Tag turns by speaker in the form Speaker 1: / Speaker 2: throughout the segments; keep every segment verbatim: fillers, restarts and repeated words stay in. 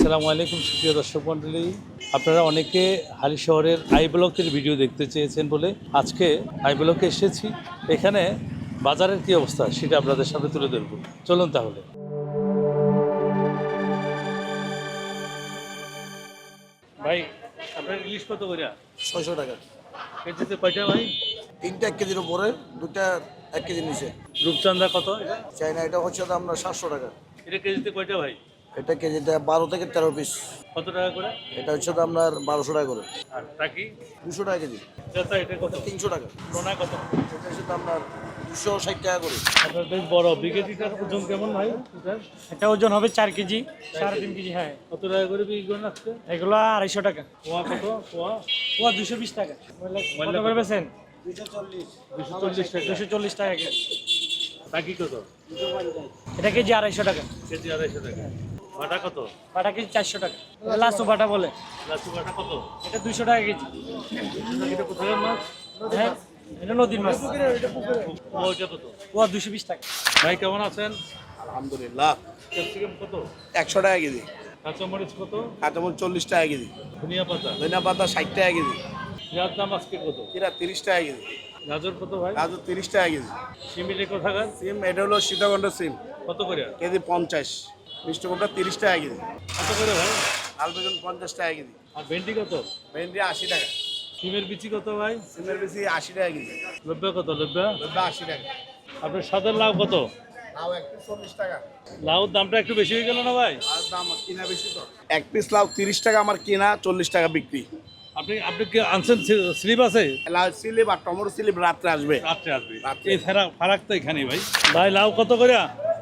Speaker 1: আসসালামু আলাইকুম সুপ্রিয় দর্শক মণ্ডলী, আপনারা অনেকে হালি শহরের আই ব্লকের ভিডিও দেখতে চেয়েছেন বলে আজকে আই ব্লকে এসেছি। এখানে বাজারের কী অবস্থা সেটা আপনাদের সামনে তুলে ধরব। চলুন তাহলে। ভাই আপনার ইলিশ কত করে?
Speaker 2: ছয়শো টাকা
Speaker 1: কেজিতে কয়টা ভাই?
Speaker 2: তিনটা এক কেজির উপরে, দুটা এক কেজি নিচে।
Speaker 1: রূপচাঁদা কত এটা?
Speaker 2: চাইনা এটা হচ্ছে তো আপনার সাতশো টাকা।
Speaker 1: এটা কেজিতে কয়টা ভাই?
Speaker 2: এটা কেজিতে বারো থেকে তেরো পিস।
Speaker 1: কত টাকা করে?
Speaker 2: এটা হচ্ছে তো আপনার বারোশো টাকা করে।
Speaker 1: আর টাকি
Speaker 2: দুশো টাকা কেজি।
Speaker 1: এটা এটা কত?
Speaker 2: তিনশো টাকা।
Speaker 1: টোনা কত?
Speaker 2: এটা হচ্ছে তো আপনার দুশো ষাট টাকা করে।
Speaker 1: আপনার বেশ বড় বিকেটিটার ওজন কেমন ভাই? এটার
Speaker 3: এটা ওজন হবে চার কেজি, সাড়ে তিন কেজি। হ্যাঁ,
Speaker 1: কত টাকা করে বিক্রি করেন আজকে?
Speaker 3: এগুলো আড়াইশো টাকা।
Speaker 1: পোয়া কত? পোয়া
Speaker 3: ও দুশো বিশ টাকা। কত করে বেছেন?
Speaker 2: দুশো চল্লিশ।
Speaker 1: দুশো চল্লিশ টাকা।
Speaker 3: দুশো চল্লিশ টাকা কেজি।
Speaker 1: টাকি কত?
Speaker 3: এটা কেজি আড়াইশো টাকা।
Speaker 1: কেজি আড়াইশো টাকা। বাটা কত?
Speaker 3: বাটা কেজি চারশো টাকা। লাসু বাটা বলে।
Speaker 1: লাচু বাটা কত?
Speaker 3: এটা দুশো টাকা কেজি।
Speaker 1: এটা কোথায় মাছ?
Speaker 3: হ্যাঁ, এটা নদীর মাছ।
Speaker 1: ওইটা কত?
Speaker 3: ও দুশো বিশ টাকা।
Speaker 1: ভাই কেমন আছেন?
Speaker 2: আলহামদুলিল্লাহ।
Speaker 1: ক্যাপসিকাম কত?
Speaker 2: একশো টাকা কেজি।
Speaker 1: কাঁচামরিচ কত?
Speaker 2: কাঁচামরিচ চল্লিশ টাকা কেজি।
Speaker 1: ধনিয়া পাতা?
Speaker 2: ধনিয়া পাতা ষাট টাকা কেজি।
Speaker 1: পেঁয়াজ দাম আজকে কত?
Speaker 2: কিরা তিরিশ টাকা কেজি।
Speaker 1: গাজর কত ভাই?
Speaker 2: গাজর তিরিশ টাকা কেজি।
Speaker 1: সিমিলি কোথাকার?
Speaker 2: সিম এটা হলো সীতাকণ্ড সিম,
Speaker 1: কত করে?
Speaker 2: কেজি পঞ্চাশ। মিষ্টি কুমড়া তিরিশ টাকা কেজি।
Speaker 1: কত করে ভাই?
Speaker 2: লাল বেগুন পঞ্চাশ টাকা কেজি।
Speaker 1: আর ভেন্ডি কত?
Speaker 2: ভেন্ডি আশি টাকা।
Speaker 1: সিমের বিচি কত ভাই?
Speaker 2: সিমের বেশি আশি টাকা কেজি।
Speaker 1: লব্বা কত? লব্বা
Speaker 2: লব্বা আশি টাকা।
Speaker 1: আপনার সাদার লাউ কত?
Speaker 2: লাউ এক পিস চল্লিশ টাকা।
Speaker 1: লাউর দামটা একটু বেশি হয়ে গেল না ভাই?
Speaker 2: আর দাম কিনা বেশি তো। এক পিস লাউ তিরিশ টাকা আমার কিনা, চল্লিশ টাকা বিক্রি।
Speaker 1: আপনি আপনি কি আনছেন স্লিপ আছে?
Speaker 2: লাউ স্লিপ আর টমেটো স্লিপ রাত্রে আসবে।
Speaker 1: রাত্রে আসবে।
Speaker 2: রাত্রে।
Speaker 1: এই ফারাক ফারাক তো এখানেই ভাই। ভাই লাউ কত করে?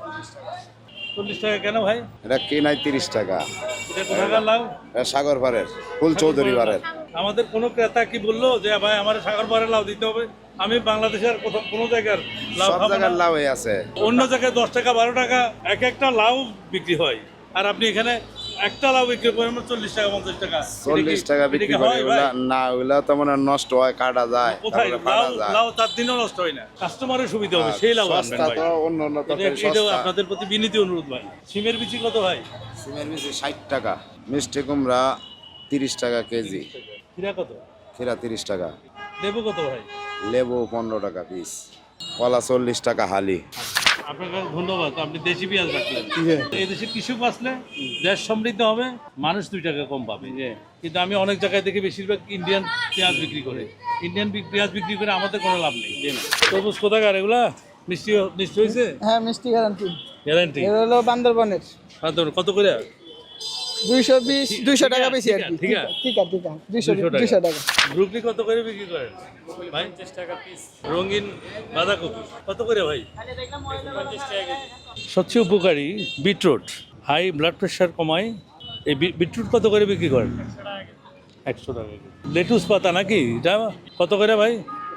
Speaker 1: চল্লিশ টাকা কেন ভাই?
Speaker 4: এটা কেনাই তিরিশ টাকা।
Speaker 1: এটা কোথাকার লাউ?
Speaker 4: এটা সাগর পাড়ের, ফুল চৌধুরী পাড়ের।
Speaker 1: আমাদের কোনো ক্রেতা কি বললো যে ভাই আমার সাগর পাড়ের লাউ দিতে হবে? আমি বাংলাদেশের কোথাও কোনো জায়গার লাউ
Speaker 4: সব
Speaker 1: খাবো
Speaker 4: জায়গার
Speaker 1: না।
Speaker 4: লাউই আছে।
Speaker 1: অন্য জায়গায় দশ টাকা বারো টাকা এক একটা লাউ বিক্রি হয়, আর আপনি এখানে একটা লাউ বিক্রি করেন চল্লিশ টাকা পঞ্চাশ টাকা।
Speaker 4: চল্লিশ টাকা
Speaker 1: এটা কি
Speaker 4: বিক্রি করে
Speaker 1: হয় ভাই?
Speaker 4: ওগুলা না, ওগুলা তো মানে নষ্ট হয়, কাটা যায়,
Speaker 1: কোথায়
Speaker 4: তারপরে
Speaker 1: লাউ?
Speaker 4: ফাটা যায়।
Speaker 1: লাউ চার দিনও নষ্ট হয় না, কাস্টমারের সুবিধা হবে সেই লাউ আনবেন
Speaker 4: সস্তা
Speaker 1: ভাই।
Speaker 4: তো, অন্য অন্য
Speaker 1: এটা-
Speaker 4: তরকারি
Speaker 1: এটাও
Speaker 4: সস্তা।
Speaker 1: আপনাদের প্রতি বিনীত অনুরোধ ভাই। সিমের বিচি কত ভাই?
Speaker 4: সিমের বেশি ষাট টাকা। মিষ্টি কুমড়া তিরিশ টাকা কেজি।
Speaker 1: খিরা কত?
Speaker 4: খিরা তিরিশ টাকা।
Speaker 1: লেবু কত ভাই?
Speaker 4: লেবু পনেরো টাকা পিস। কলা চল্লিশ টাকা হালি।
Speaker 1: আপনাকে ধন্যবাদ, আপনি দেশি পেঁয়াজ রাখলেন। এই দেশে কৃষক বাঁচলে দেশ সমৃদ্ধ হবে, মানুষ দুই টাকা কম পাবে। কিন্তু আমি অনেক জায়গায় দেখি বেশিরভাগ ইন্ডিয়ান পেঁয়াজ বিক্রি করে। ইন্ডিয়ান পেঁয়াজ বিক্রি করে আমাদের কোনো লাভ নেই। তরমুজ কোথাকার এগুলা? মিষ্টি মিষ্টি হয়েছে?
Speaker 5: হ্যাঁ, মিষ্টি গ্যারান্টি।
Speaker 1: গ্যারান্টি।
Speaker 5: এর হলো বান্দরবনের
Speaker 1: কত করে?
Speaker 5: দুইশো বিশ দুইশো টাকা বেশি আর কি।
Speaker 1: ঠিক আছে,
Speaker 5: ঠিক আছে, ঠিক আছে, দুইশো
Speaker 1: দুইশো টাকা।
Speaker 5: দুইশো টাকা।
Speaker 1: ব্রুকলি কত করে বিক্রি করেন ভাই? পঞ্চাশ টাকা পিস। রঙিন বাঁধাকপি কত করে ভাই? পঞ্চাশ টাকা কেজি। সবচেয়ে উপকারী বিটরুট, হাই ব্লাড প্রেশার কমায়। এই বি- বিটরুট কত করে বিক্রি করেন? একশো টাকা কেজি। লেটুস পাতা নাকি এটা কত করে ভাই?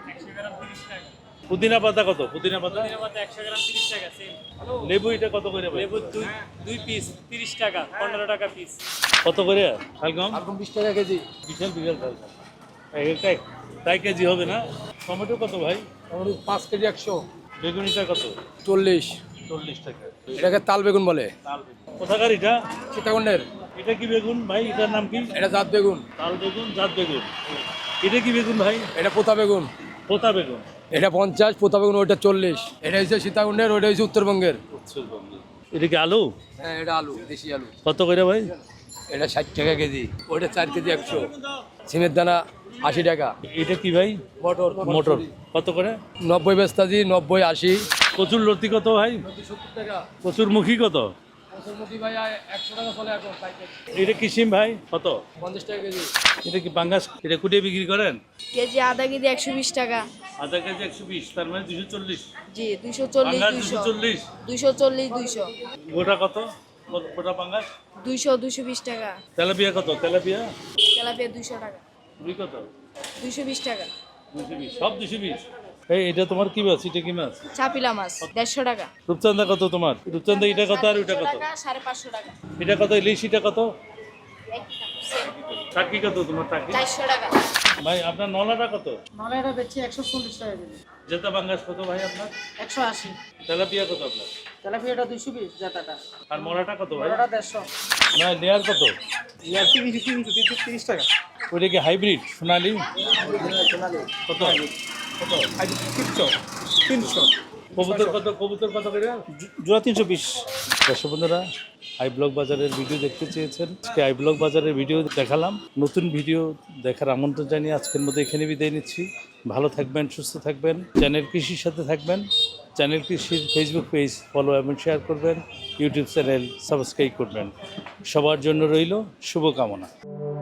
Speaker 1: পুদিনা পাতা কত? পুদিনা পাতা
Speaker 3: একশো গ্রাম তিরিশ টাকা।
Speaker 1: লেবু এটা কত করে ভাই?
Speaker 3: লেবু দুই দুই পিস তিরিশ টাকা, পনেরো টাকা পিস।
Speaker 1: কত করে? শালগম
Speaker 5: এখন বিশ টাকা কেজি।
Speaker 1: বিশাল বিশাল শালগম। এক তাই কেজি হবে না? টমেটো কত ভাই?
Speaker 5: আমাদের পাঁচ কেজি একশো
Speaker 1: বেগুনিটা কত?
Speaker 5: চল্লিশ।
Speaker 1: চল্লিশ টাকা।
Speaker 5: এটাকে তাল বেগুন বলে।
Speaker 1: তাল বেগুন কোথাকার এটা?
Speaker 5: সীতাকুণ্ডের।
Speaker 1: এটা কি বেগুন ভাই? এটার নাম কি?
Speaker 5: এটা জাত বেগুন।
Speaker 1: তাল বেগুন, জাত বেগুন। এটা কি বেগুন ভাই?
Speaker 5: এটা পোতা বেগুন।
Speaker 1: পোতা বেগুন।
Speaker 5: এটা পঞ্চাশ, পোতা বেগুন ওইটা চল্লিশ। এটা হচ্ছে সীতাকুণ্ডের, ওইটা হচ্ছে উত্তরবঙ্গের।
Speaker 1: এটা কি আলু?
Speaker 5: হ্যাঁ, এটা আলু, দেশি আলু।
Speaker 1: কত করে ভাই?
Speaker 5: এটা ষাট টাকা কেজি। ওইটা চার কেজি একশো। সিমের দানা আশি টাকা।
Speaker 1: এটা কি ভাই?
Speaker 5: মটর
Speaker 1: মোটর কত করে?
Speaker 5: নব্বই বেস্তাজি, নব্বই আশি।
Speaker 1: কচুর লতি কত ভাই?
Speaker 5: সত্তর টাকা।
Speaker 1: কচুর মুখী কত?
Speaker 5: কচুরমুখী ভাই একশো টাকা চলে এখন পাইকারি।
Speaker 1: এটা কি সিম ভাই কত?
Speaker 5: পঞ্চাশ টাকা কেজি।
Speaker 1: এটা কি পাঙ্গাস? এটা কুটিয়ে বিক্রি করেন?
Speaker 6: কেজি আধা কেজি একশো বিশ টাকা।
Speaker 1: আধা কেজি একশো বিশ, তার মানে দুশো চল্লিশ।
Speaker 6: জি, দুইশো চল্লিশ,
Speaker 1: পাঙ্গাস
Speaker 6: দুইশো
Speaker 1: দুশো চল্লিশ।
Speaker 6: দুইশো চল্লিশ, দুইশো
Speaker 1: গোটা কত? গোটা পাঙ্গাস?
Speaker 6: দুইশো দুইশো বিশ টাকা।
Speaker 1: তেলাপিয়া কত? তেলাপিয়া
Speaker 6: তেলাপিয়া দুইশো টাকা।
Speaker 1: রুই কত?
Speaker 6: দুইশো বিশ টাকা।
Speaker 1: দুশো বিশ, সব দুশো বিশ। এই এটা তোমার কি মাছ? এটা কি মাছ?
Speaker 6: চাপিলা মাছ দেড়শো টাকা।
Speaker 1: রূপচাঁদা কত তোমার? রূপচাঁদা এটা কত আর ওইটা কত?
Speaker 6: টাকা, সাড়ে পাঁচশো টাকা।
Speaker 1: এটা কত? ইলিশ এটা কত?
Speaker 6: একই দাম, same।
Speaker 1: টাকি কত তোমার? টাকি
Speaker 6: চারশো টাকা।
Speaker 1: ভাই আপনার নলাটা কত?
Speaker 7: নলাইটা বেচছি একশো চল্লিশ টাকা কেজি।
Speaker 1: জেতা বাঙ্গাস কত ভাই আপনার?
Speaker 7: একশো আশি।
Speaker 1: তেলাপিয়া কত আপনার?
Speaker 7: তেলাপিয়াটা দুইশো বিশ জাতাটা।
Speaker 1: আর মরাটা কত ভাই?
Speaker 7: বড়টা দেড়শো।
Speaker 1: ভাই লেয়ার কত?
Speaker 7: ইয়ার তিরিশ তিরিশ তিরিশ টাকা।
Speaker 1: ওইটা কি হাইব্রিড সোনালি? কত? কত?
Speaker 7: তিনশো তিনশো।
Speaker 1: কবুতর কত? কবুতর কত করে?
Speaker 7: জোড়া তিনশো বিশ।
Speaker 1: দর্শক বন্ধুরা, আই ব্লগ বাজারের ভিডিও দেখতে চেয়েছেন, আজকে আই ব্লগ বাজারের ভিডিও দেখালাম। নতুন ভিডিও দেখার আমন্ত্রণ জানিয়ে আজকের মতো এখানে বিদায় নিচ্ছি। ভালো থাকবেন, সুস্থ থাকবেন, চ্যানেল কৃষির সাথে থাকবেন। চ্যানেল কৃষির ফেসবুক পেজ ফলো এবং শেয়ার করবেন, ইউটিউব চ্যানেল সাবস্ক্রাইব করবেন। সবার জন্য রইল শুভকামনা।